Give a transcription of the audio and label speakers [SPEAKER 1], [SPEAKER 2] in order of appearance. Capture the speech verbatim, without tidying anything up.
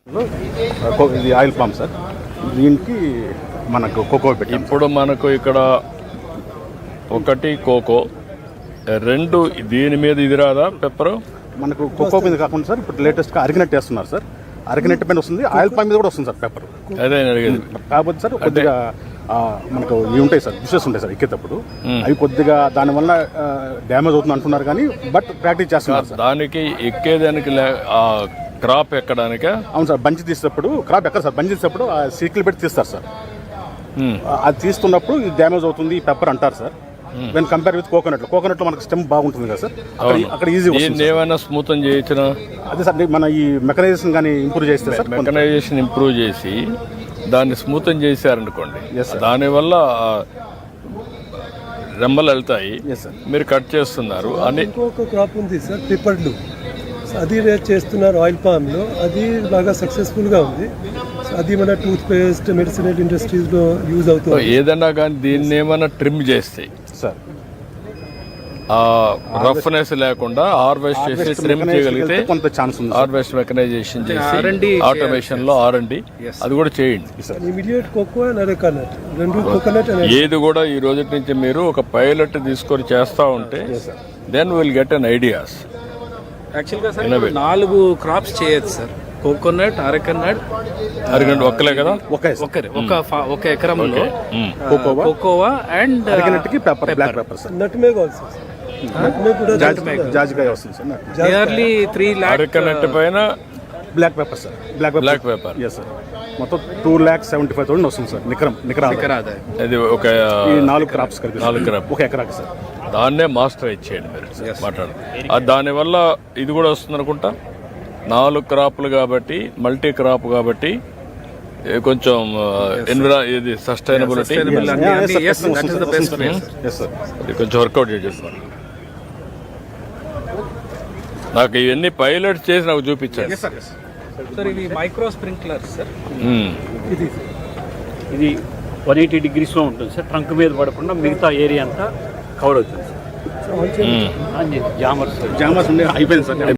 [SPEAKER 1] ఇది oil palm sir. దీనికి మనకు కోకో పెట్టి
[SPEAKER 2] ఇప్పుడు మనకు ఇక్కడ ఒకటి కోకో, రెండు దీని మీద ఇది రాదా పెప్పరు?
[SPEAKER 1] మనకు కోకో మీద కాకుండా సార్ ఇప్పుడు లేటెస్ట్గా అరిగినట్టు వేస్తున్నారు సార్. అరిగినట్టు పైన వస్తుంది, ఆయిల్ పామ్ మీద కూడా వస్తుంది సార్ పెప్పర్.
[SPEAKER 2] అదే అడిగేది.
[SPEAKER 1] కాకపోతే సార్ కొద్దిగా మనకు ఇవి ఉంటాయి సార్, డిషెస్ ఉంటాయి సార్ ఎక్కేటప్పుడు, అవి కొద్దిగా దానివల్ల డ్యామేజ్ అవుతుంది అంటున్నారు కానీ బట్ ప్రాక్టీస్ చేస్తున్నారు సార్.
[SPEAKER 2] దానికి ఎక్కేదానికి క్రాప్ ఎక్కడానిక?
[SPEAKER 1] అవును సార్, బంచి తీసేటప్పుడు క్రాప్ ఎక్కడ సార్, బంచి తీసేటప్పుడు ఆ సీట్లు పెట్టి తీస్తారు సార్. అది తీస్తున్నప్పుడు ఇది డ్యామేజ్ అవుతుంది ఈ పెప్పర్ అంటారు sir. When compare with coconut, coconut లో మనకు స్టెమ్ బాగుంటుంది కదా సార్, అక్కడ ఈజీ
[SPEAKER 2] ఏమైనా స్మూత్ చేయొచ్చిన.
[SPEAKER 1] అదే సార్ మన ఈ మెకనైజేషన్ కానీ ఇంప్రూవ్ చేస్తే సార్,
[SPEAKER 2] మెకనైజేషన్ ఇంప్రూవ్ చేసి దాన్ని స్మూత్ చేశారనుకోండి, దానివల్ల రెమ్మలు వెళ్తాయి, మీరు కట్ చేస్తున్నారు అని.
[SPEAKER 3] ఇంకొక క్రాప్ ఉంది సార్ పిప్పర్లు, అది చేస్తున్నారు ఆయిల్ పామ్లో, అది బాగా సక్సెస్ఫుల్గా ఉంది. అది మన టూత్ పేస్ట్ మెడిసినల్ ఇండస్ట్రీస్లో యూజ్ అవుతుంది.
[SPEAKER 2] ఏదన్నా కానీ దీన్ని ఏమైనా ట్రిమ్ చేస్తాయి
[SPEAKER 1] సార్,
[SPEAKER 2] రఫ్నెస్ లేకుండా హార్వెస్ట్ చేసి ట్రిమ్ చేయగలిగితే
[SPEAKER 1] కొంత ఛాన్స్ ఉంది.
[SPEAKER 2] హార్వెస్ట్ మెకనైజేషన్ చేసి ఆటోమేషన్ లో ఆర్ అండ్ డి అది కూడా చేయండి.
[SPEAKER 3] ఇమిడియట్ కోకో అండ్ అరెకనట్ రెండు కోకోనట్
[SPEAKER 2] ఏది కూడా ఈ రోజు నుంచి మీరు ఒక పైలట్ తీసుకొని చేస్తా ఉంటే then will get an ideas.
[SPEAKER 4] యాక్చువల్గా సార్ నాలుగు క్రాప్స్ చేయొచ్చు సార్, కోకోనట్, అరెకనట్,
[SPEAKER 2] అరగంట ఒక్కలే కదా,
[SPEAKER 4] ఒకరే ఒక ఒక ఎకరంలో కోకోవా అండ్
[SPEAKER 1] అరగంటకి pepper, black pepper sir,
[SPEAKER 3] nutmeg also, nutmeg కూడా
[SPEAKER 1] జాజికాయ వస్తుంది sir.
[SPEAKER 4] Nearly three lakh
[SPEAKER 2] arecanut పైన
[SPEAKER 1] black pepper sir, black
[SPEAKER 2] black pepper
[SPEAKER 1] yes sir, మొత్తం two lakh seventy five thousand వస్తుంది సార్ నికరం నికరా.
[SPEAKER 2] అది ఒక
[SPEAKER 1] నాలుగు క్రాప్స్ కలిపి
[SPEAKER 2] నాలుగు క్రాప్
[SPEAKER 1] ఒక ఎకరాకి సార్.
[SPEAKER 2] దాన్నే మాస్టర్ ఇచ్చేయండి మీరు మాట్లాడు. దానివల్ల ఇది కూడా వస్తుంది అనుకుంటా, నాలుగు క్రాప్లు కాబట్టి మల్టీ క్రాప్ కాబట్టి కొంచెం ఎన్విరా ఇది సస్టైనబిలిటీ కొంచెం వర్కౌట్ చేసేస్తాను. నాకు ఇవన్నీ పైలట్ చేసి నాకు చూపించాను
[SPEAKER 4] సార్. ఇది మైక్రో స్ప్రింక్లర్ సార్,
[SPEAKER 5] ఇది ఇది వన్ ఎయిటీ డిగ్రీస్లో ఉంటుంది సార్. ట్రంక్ మీద పడకుండా మిగతా ఏరియా అంతా కవర్ అవుతుంది సార్. జామర్స్
[SPEAKER 1] జామర్స్ ఉండే అయిపోయింది సార్.